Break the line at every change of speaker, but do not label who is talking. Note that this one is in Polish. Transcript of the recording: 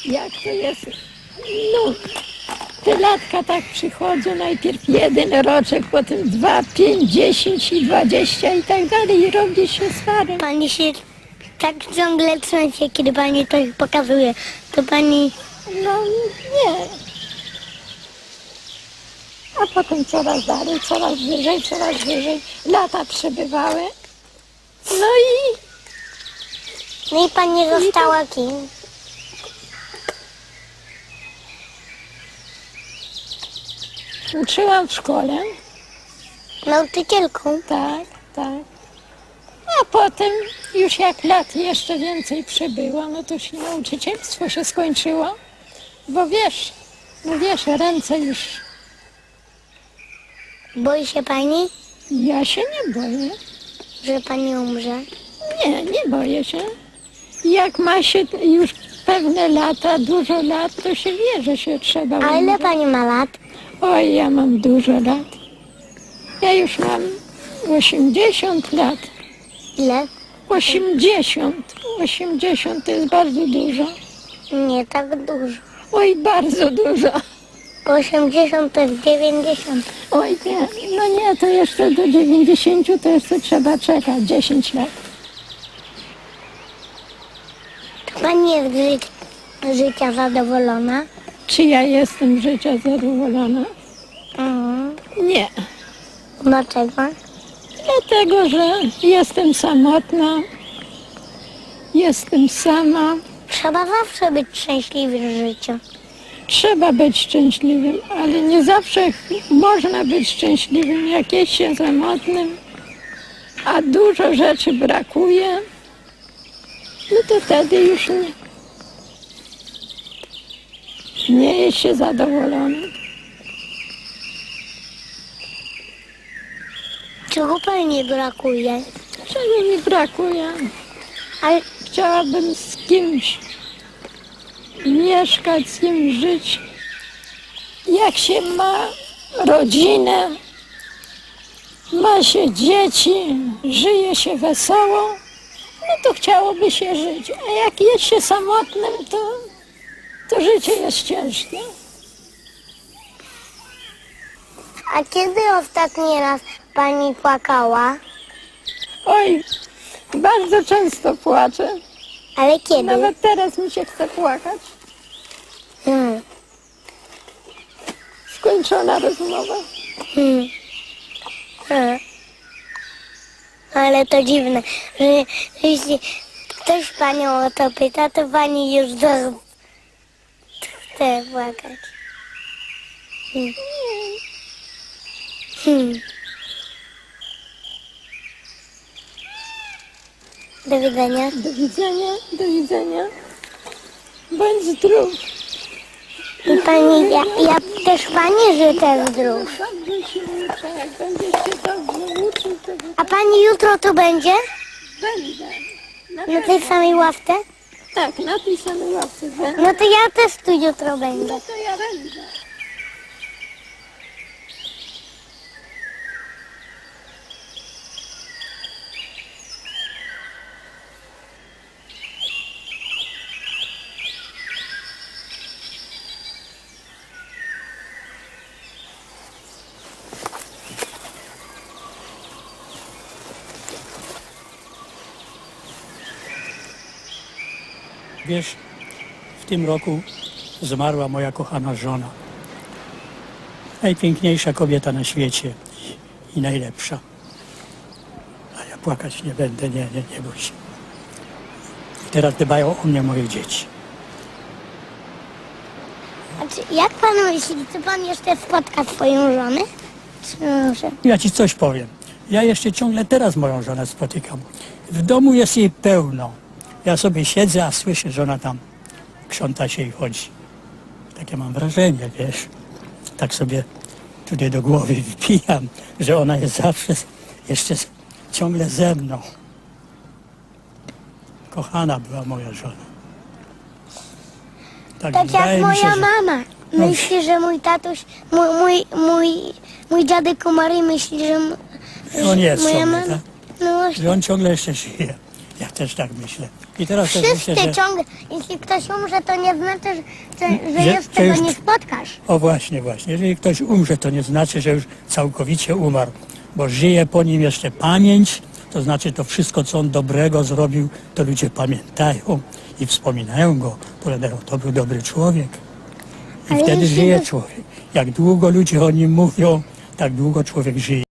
jak to jest, no, te latka tak przychodzą, najpierw 1 roczek, potem 2, 5, 10 i 20 i tak dalej i robi się starym.
Pani się tak ciągle trzęsie, kiedy pani to pokazuje. To pani...
No nie. A potem coraz dalej, coraz wyżej. Lata przebywały. No i
No i pani została kim?
uczyłam w szkole.
Nauczycielką.
Tak, tak. A potem już jak lat jeszcze więcej przebyło, no to już i nauczycielstwo się skończyło. Bo wiesz, no wiesz, ręce już,
Boi się pani,
ja się nie boję.
że pani umrze?
Nie, nie boję się. Jak ma się już pewne lata, dużo lat, to się wie, że się trzeba
A ile
umrzeć.
pani ma lat?
Oj, ja mam dużo lat. Ja już mam 80 lat.
Ile?
80 to jest bardzo dużo.
Nie tak dużo.
Oj, bardzo dużo.
80 to jest 90.
Oj, nie, no nie, to jeszcze do 90 to jeszcze trzeba czekać 10 lat.
Czy pani jest z życia zadowolona?
Czy ja jestem z życia zadowolona? Nie.
Dlaczego?
Dlatego, że jestem samotna, jestem sama.
Trzeba zawsze być szczęśliwy w życiu.
Trzeba być szczęśliwym, ale nie zawsze można być szczęśliwym, jak jest się samotnym, a dużo rzeczy brakuje, no to wtedy już nie jest się zadowolonym.
Czego pani nie brakuje?
Czego mi brakuje?
Ale
Chciałabym z kimś mieszkać, z kimś żyć. Jak się ma rodzinę, ma się dzieci, żyje się wesoło, no to chciałoby się żyć. A jak jest się samotnym, to życie jest ciężkie.
a kiedy ostatni raz pani płakała?
Oj, bardzo często płaczę.
Ale kiedy?
Nawet teraz mi się chce płakać.
Hmm.
Skończona rozmowa.
Hmm. Ale to dziwne, że jeśli ktoś panią o to pyta, to pani już chce płakać. Do widzenia.
Do widzenia, do widzenia. Bądź zdrów.
I pani, ja też pani życzę zdrów.
Dobrze się uczę, jak będziesz się dobrze uczył, to
A pani jutro tu będzie?
będę.
Na tej samej ławce?
Tak, na tej samej ławce będę.
No to ja też tu jutro będę.
No to ja będę.
Wiesz, w tym roku zmarła moja kochana żona. Najpiękniejsza kobieta na świecie i najlepsza. A ja płakać nie będę, nie bój się. I teraz dbają o mnie moje dzieci.
Jak pan myśli, czy pan jeszcze spotka swoją żonę? Czy może?
Ja ci coś powiem. Ja jeszcze ciągle teraz moją żonę spotykam. W domu jest jej pełno. Ja sobie siedzę, a słyszę, że ona tam krząta się i chodzi. Takie mam wrażenie, wiesz. Tak sobie tutaj do głowy wpijam, że ona jest zawsze jeszcze ciągle ze mną. Kochana była moja żona.
Tak
wydaje
jak
mi się,
moja
że-
mama. Myśli, że mój tatuś, mój dziadek umarł i myśli, że
On jest
moja
sobie,
mama...
tak?
No właśnie.
Że on ciągle jeszcze żyje. Jak też tak myślę. I teraz też
Wszyscy
myślę, że...
ciągle, jeśli ktoś umrze, to nie znaczy, że
Że-
już
że
tego
już-
nie spotkasz.
O właśnie. Jeżeli ktoś umrze, to nie znaczy, że już całkowicie umarł, bo żyje po nim jeszcze pamięć, to znaczy to wszystko, co on dobrego zrobił, to ludzie pamiętają i wspominają go, powiadają, to był dobry człowiek. I
Ale
wtedy
jeśli
żyje
by-
człowiek. Jak długo ludzie o nim mówią, tak długo człowiek żyje.